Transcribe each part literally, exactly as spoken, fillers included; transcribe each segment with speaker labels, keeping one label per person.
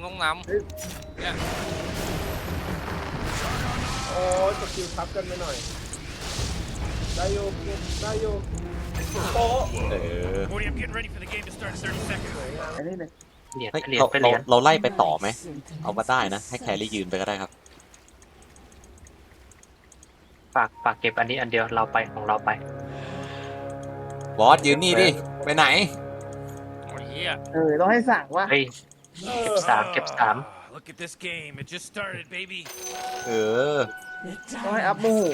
Speaker 1: ต้องนำเนี่ย
Speaker 2: โอ้ยสกิลทับกันไปหน่อยได้โยได้โยโอ้
Speaker 3: เออ
Speaker 4: Morty, I'm getting ready for the game to start in thirty seconds.
Speaker 2: อันนี้เลย
Speaker 5: เหรียญ
Speaker 3: เฮ้ย
Speaker 5: เหรียญ
Speaker 3: เรา
Speaker 5: ไปเห
Speaker 3: เรา
Speaker 5: รียญ
Speaker 3: เราไล่ไปต่อไหมเอามาได้นะให้แครี่ยืนไปก็ได้ครับ
Speaker 5: ฝากฝากเก็บอันนี้อันเดียวเราไปของเราไป
Speaker 3: บอสยืนนี่ดิไปไหน
Speaker 1: โอ้ยเหี้ย
Speaker 2: เออต้องให้สั่งว่า
Speaker 5: เฮ้ยเก็บสามเก็บสาม
Speaker 4: Ah, look at this game. It just started, baby.
Speaker 3: เออ
Speaker 2: ต้องให้อัพโมโห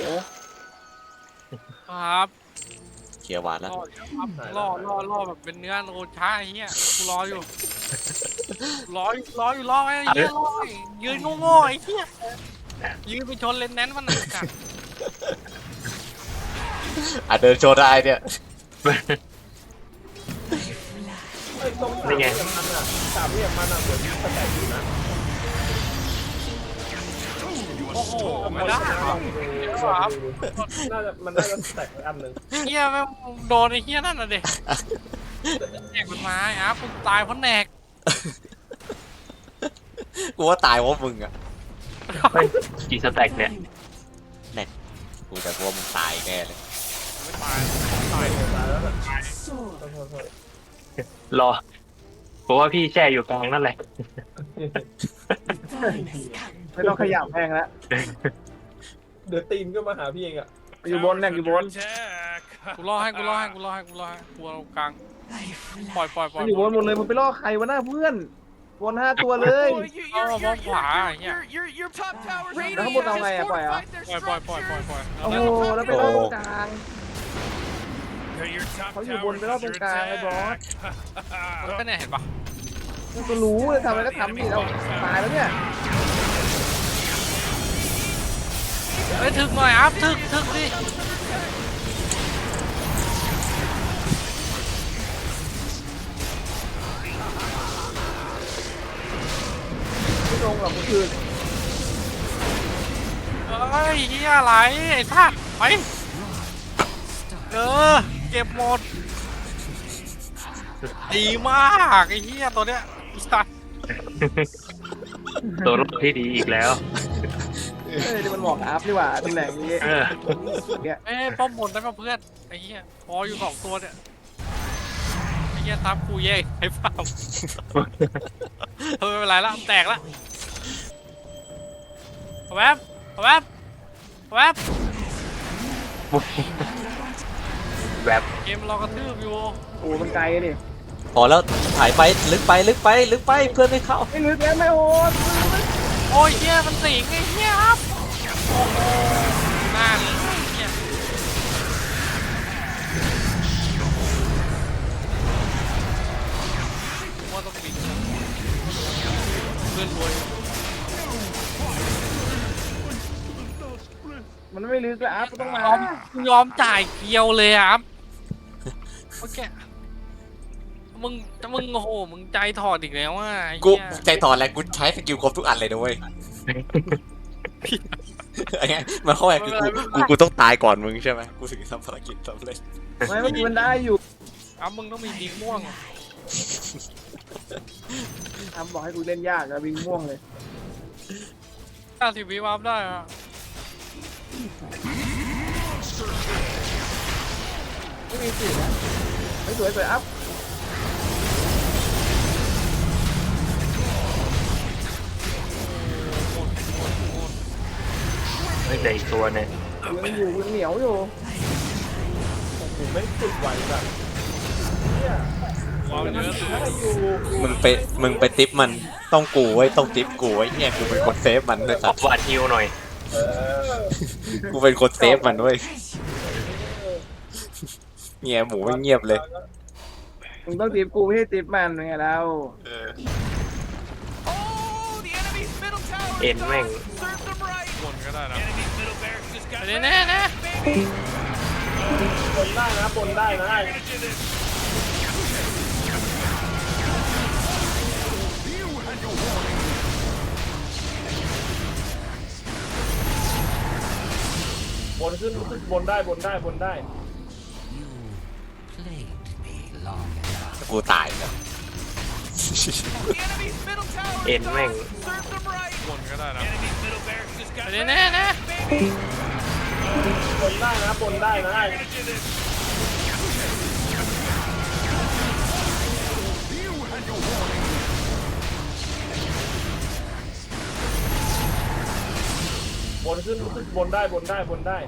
Speaker 1: ครับ
Speaker 3: เคลียร์วาด
Speaker 1: ร
Speaker 3: แล้ว
Speaker 1: อครับรอรอรอแบบเป็นเนื้อโลช้าไอ้เหี้ยกูรออยู่รออยู่รออยู่รอไอ้เหี้ยรอยืนโง่ๆไอ้เหี้ยยืนไปชนเลนแนนมันหนักอะ
Speaker 3: อ่ะเดินโชว์ได้เนี่ย
Speaker 2: ไอ้ตรงสามเหลี่ยมมันอ่ะสามเหลี่ยมมันอ่ะเหมือนสแต็กอยู่นะ
Speaker 1: โอ้โหไม่ได้ครับ
Speaker 2: น่าจะมันน่าจะสแต็กไว้อันหนึ่ง
Speaker 1: เหี้ยแม่งโดนไอ้เหี้ยนั่นน่ะเด็กแหนกมันมาไอ้อาร์ตกูตายเพราะแหนก
Speaker 3: กูว่าตายเพราะมึงอ่ะ
Speaker 5: เฮ้ยกี่สแต็กเนี่ย
Speaker 3: กูแต่กูว่ามึงตายแน่เลย
Speaker 1: ไม่ตาย
Speaker 2: ตายตายแล้วแบบ
Speaker 5: รอเพราะว่าพี่แช่อยู่กลางนั่นแหละ
Speaker 2: ไม่ต้องขยับแพงแล้วเดี๋ยวตีนก็มาหาพี่เองอ่ะอยู่บนเนี่ยอยู่บน
Speaker 4: Attack.
Speaker 1: กูรอให้กูรอให้กูรอให้กูรอให้กูเอากลางปล่อยปล่อยปล่
Speaker 2: มั
Speaker 1: อย
Speaker 2: นอยู่บนหมดเลยมันไปล่อใครวะหน้าเพื่อนบนห้าตัวเลย
Speaker 4: Boy, you, you're, you're, you're, you're, you're, you're top tower's under
Speaker 2: Nó không
Speaker 4: attack.
Speaker 2: một nào này à,
Speaker 4: Just
Speaker 2: phải à?
Speaker 4: fortified their
Speaker 1: ปล่อยปล่อยปล่อยปล่อยปล่อย
Speaker 4: structures.
Speaker 1: เอา
Speaker 2: โอ้
Speaker 1: แล้ว
Speaker 2: โหแล้วไปล่อตรงกลาง
Speaker 4: Your top
Speaker 2: Có nhiều
Speaker 4: tower's
Speaker 2: buồn với nó
Speaker 4: under
Speaker 2: tรงกลางไอ้บอส
Speaker 4: attack.
Speaker 1: ก็เนี่ยเห็นปะ
Speaker 2: มันก็รู้เลยทำอะไรก็ทำนี่เราตายแล้วเนี่ย
Speaker 1: เฮ้ยถึกหน่อยอัพถึกถึกดิ
Speaker 2: ไม่ลงหรอกก็คือ
Speaker 1: เฮ้ยเฮียอะไรไอ้ท่าไปเออเก็บหมดดีมากไอ้เฮียตัวเนี้ยสัตว์
Speaker 5: ตัวรบที่ดีอีกแล้ว
Speaker 2: เออที่มันบอกอัพนี่หว่าตำแหน่งนี้
Speaker 5: เออ
Speaker 2: เนี่ย
Speaker 1: เอ้ยป้อมบนได้ป่ะเพื่อนไอ้เฮียพออยู่สองตัวเนี่ยไอ้เฮียทับกูเย่ไอ้เปล่าเออไม่เป็นไรละแตกละเอาแวบเอาแวบเอาแวบ
Speaker 5: แบบ
Speaker 1: เกมเรากระทืบอยู่
Speaker 2: โอ้มันไกลอะดิ
Speaker 3: พอแล้วถ่ายไปลึกไปลึกไปลึกไปเพื่อนไม่เข้า
Speaker 2: ไม่ลึกแล้วไม่โหด
Speaker 1: โอ้ยเฮียมันสิงไอ้เฮียครับโอ้โหหน้าเลยไอ้เฮียว่าต้องบินเพื่อนรวย
Speaker 2: มันไม่ลึกแล้วอัพต้องมาย
Speaker 1: อมยอมจ่ายเกียวเลยอะครับโอเคมึงมึงโอ้โหมึงใจถอดอีกแล้วอ่ะไอ้
Speaker 3: กู
Speaker 1: เหี้ย
Speaker 3: ใจถอนแล้วกูใช้สกิลครบทุกอันเลยนะเว้ยไอ้เงี้ยมันเข้าไปคือกูกูกูต้องตายก่อนมึงใช่ไหมกูถึงทำภารกิจสำเร็จ
Speaker 2: ไม่เมื่อกี้มันได้อยู่
Speaker 1: อ้าวมึงต้องมีดีม่วง
Speaker 2: ทำบอกให้กูเล่นยากอะวิ่งม่วงเลย
Speaker 1: ห้าสิบวิวาร์ปได้อะ
Speaker 2: ไม่มีสิทธิ์นะไม่สวยสวยอัพ
Speaker 5: ไม่แต่อีกตัวเนี่ย
Speaker 2: ยังอยู่ยังเหนียวอยู่ผมไม่ติดไหวแบบเนี่ยว
Speaker 1: าร์ปเยอะสุด
Speaker 2: ได้อยู่
Speaker 3: มึงไปมึงไปติปมันต้องกูไว้ต้องติปกูไว้เนี่ยกูเป็นคนเซฟมันด้วย
Speaker 5: ข
Speaker 3: สั
Speaker 5: อ
Speaker 3: ตว์
Speaker 5: วาดฮิวหน่อย
Speaker 2: เออ
Speaker 3: กูเป็นคนเซฟมันด้วยเงียหมูไม่เงียบเลย
Speaker 2: มึงต้องตีบกูไม่ให้ตีบมันไงเรา
Speaker 4: Oh, the enemy's middle tower is
Speaker 5: เอ็นแม่ง
Speaker 4: up. Serve them right.
Speaker 1: บนก็ได้นะ
Speaker 4: Enemy's middle barracks just got
Speaker 1: เดี๋ยวแน่แน่
Speaker 4: baby.
Speaker 2: บนได้นะบนได้นะ
Speaker 4: We're gonna do this.
Speaker 2: บนขึ้นขึ้นบนได้บนได้บนได้
Speaker 3: กูตายแล้ว
Speaker 4: enemy's middle tower
Speaker 5: เอ็น
Speaker 4: is
Speaker 5: แม่ง
Speaker 4: gone. Serve them right.
Speaker 1: บนก็ได้นะ
Speaker 4: Enemy's middle barracks just got
Speaker 1: ไปแน่ๆนะ
Speaker 4: baby.
Speaker 2: บนได้นะบนได้นะ
Speaker 4: We're gonna do this.
Speaker 2: บนขึ้นขึ้นบนได้บนได้บนได้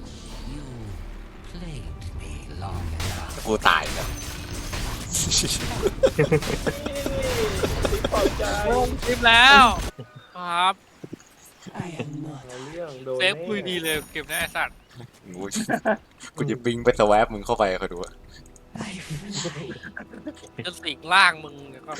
Speaker 3: กูตายแล้ว
Speaker 2: ขอบใจ
Speaker 1: ลงคลิปแล้วครับ
Speaker 2: เอาเรื่องโดน
Speaker 1: เซฟคุยดีเลยเก็บได้ไอ้สัตว์
Speaker 3: กูกูจะบิงไปสวาปมึงเข้าไปเขาดูอะ
Speaker 1: จะสิงล่างมึงเดี๋ยวก่อน